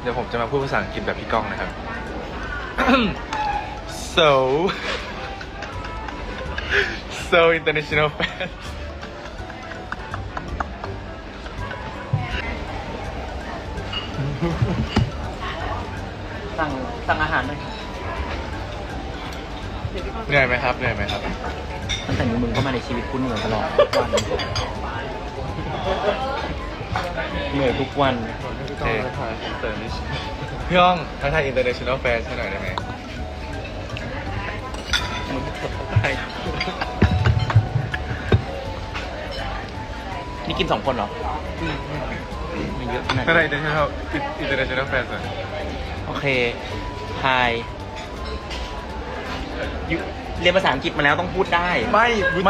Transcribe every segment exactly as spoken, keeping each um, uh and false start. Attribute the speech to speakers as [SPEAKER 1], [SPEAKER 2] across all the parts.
[SPEAKER 1] ดี๋ยวผมจะมาพูดภาษาอังกฤษแบบพี่ก้องนะครับ so so international fans
[SPEAKER 2] สั่งสั่งอาหารหน่อย
[SPEAKER 1] เหนื่อยไหมครับเหนื่อยไหมครับ
[SPEAKER 2] ตั้งแต่มีมึงเข้ามาในชีวิตกูเหนื่อยตลอดทุกวันเหนื่อยทุกวัน
[SPEAKER 1] พี่ก้องทักทายพี่ก้องทักทาย international fans ให้หน่อยได้ไหม
[SPEAKER 2] มึงไปนี่กินสองคนเหรอมีเยอะขนาด
[SPEAKER 1] ทักทาย
[SPEAKER 2] นี้
[SPEAKER 1] international international fans หน่อย
[SPEAKER 2] โอเค Hi ยูเรียนภาษาอังกฤษมาแล้วต้องพูดได้
[SPEAKER 1] ไม่ไม่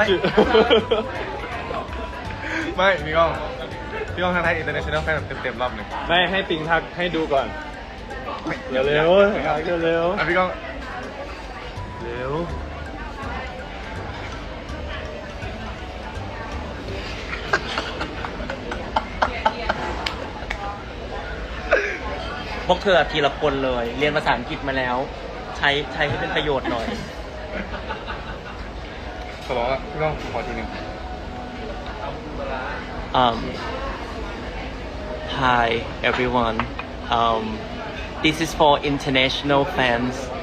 [SPEAKER 1] ไม่พี่ก้องพี่ก้องทักทาย international fans แบบเต็มๆรอบหนึ่ง
[SPEAKER 3] ไม่ให้ปิงทักให้ดูก่อน เร็วเร็วทักเร็ว
[SPEAKER 1] อ่ะพี่ก้อง
[SPEAKER 3] เร็ว
[SPEAKER 2] พวกเธอทีละคนเลย เรียนภาษาอังกฤษมาแล้ว ใช้ใช้ให้เป็นประโยชน์หน่อย
[SPEAKER 1] ขอร้องอ่ะพี่ก้องขอทีหนึ่ง
[SPEAKER 2] um Hi everyone um this is for international fans